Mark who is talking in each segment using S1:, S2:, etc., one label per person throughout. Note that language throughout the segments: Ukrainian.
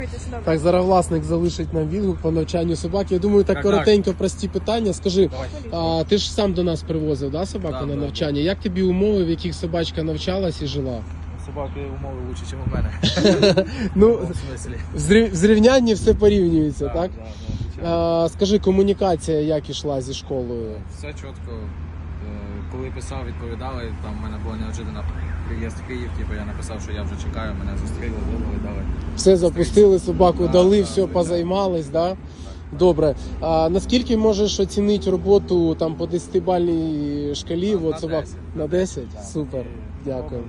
S1: Так, зараз власник залишить нам відгук по навчанню собаки. Я думаю, так коротенько, прості питання. Скажи, ти ж сам до нас привозив, да, собаку на навчання? Як тобі умови, в яких собачка навчалась і жила?
S2: Собаки умови краще, ніж у мене.
S1: Ну, в зрівнянні все порівнюється, так? Скажи, комунікація як ішла зі школою?
S2: Все чітко. Коли писав, відповідали, там в мене була неожиданна приїзд в Київ, я написав, що я вже чекаю, мене зустріли, вивели, дали.
S1: Все запустили, собаку дали, все позаймались, да? Добре. А наскільки можеш оцінити роботу там по 10-бальній шкалі?
S2: На 10.
S1: На 10? Супер, дякую.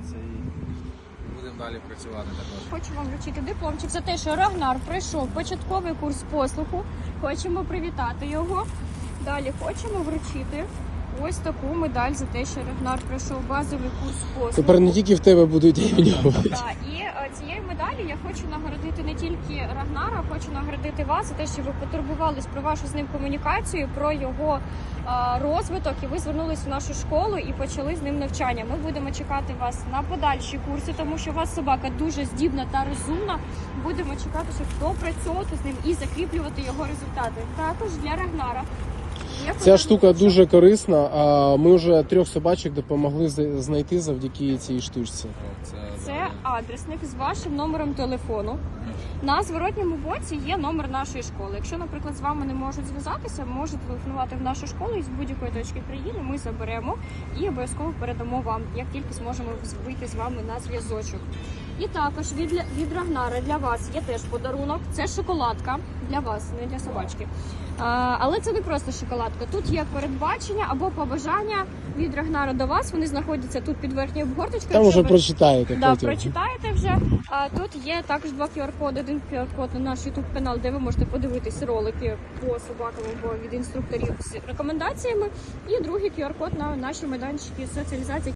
S2: Будемо далі працювати також.
S3: Хочу вам вручити дипломчик за те, що Рагнар пройшов початковий курс послуху. Хочемо привітати його. Далі хочемо вручити ось таку медаль за те, що Рагнар пройшов базовий курс послуху.
S1: Тепер не тільки в тебе будуть іменювати.
S3: Так, і цією медаллю я хочу нагородити не тільки Рагнара, хочу нагородити вас за те, що ви потурбувались про вашу з ним комунікацію, про його розвиток, і ви звернулись в нашу школу і почали з ним навчання. Ми будемо чекати вас на подальші курси, тому що у вас собака дуже здібна та розумна. Будемо чекати, щоб допрацьовувати з ним і закріплювати його результати. Також для Рагнара.
S1: Ця штука дуже корисна, а ми вже 3 собачок допомогли знайти завдяки цій штучці.
S3: Це адресник з вашим номером телефону. На зворотньому боці є номер нашої школи. Якщо, наприклад, з вами не можуть зв'язатися, можете телефонувати в нашу школу і з будь-якої точки країни ми заберемо і обов'язково передамо вам, як тільки зможемо вийти з вами на зв'язочок. І також від Рагнара для вас є теж подарунок. Це шоколадка для вас, не для собачки. Але це не просто шоколадка. Тут є передбачення або побажання від Рагнара до вас. Вони знаходяться тут під верхньою обгорточкою.
S1: Там вже прочитаєте.
S3: Да, прочитаєте вже. Тут є також 2 QR-коди. Один QR-код на наш YouTube канал, де ви можете подивитись ролики по собакам або від інструкторів з рекомендаціями. І другий QR-код на наші майданчики соціалізації.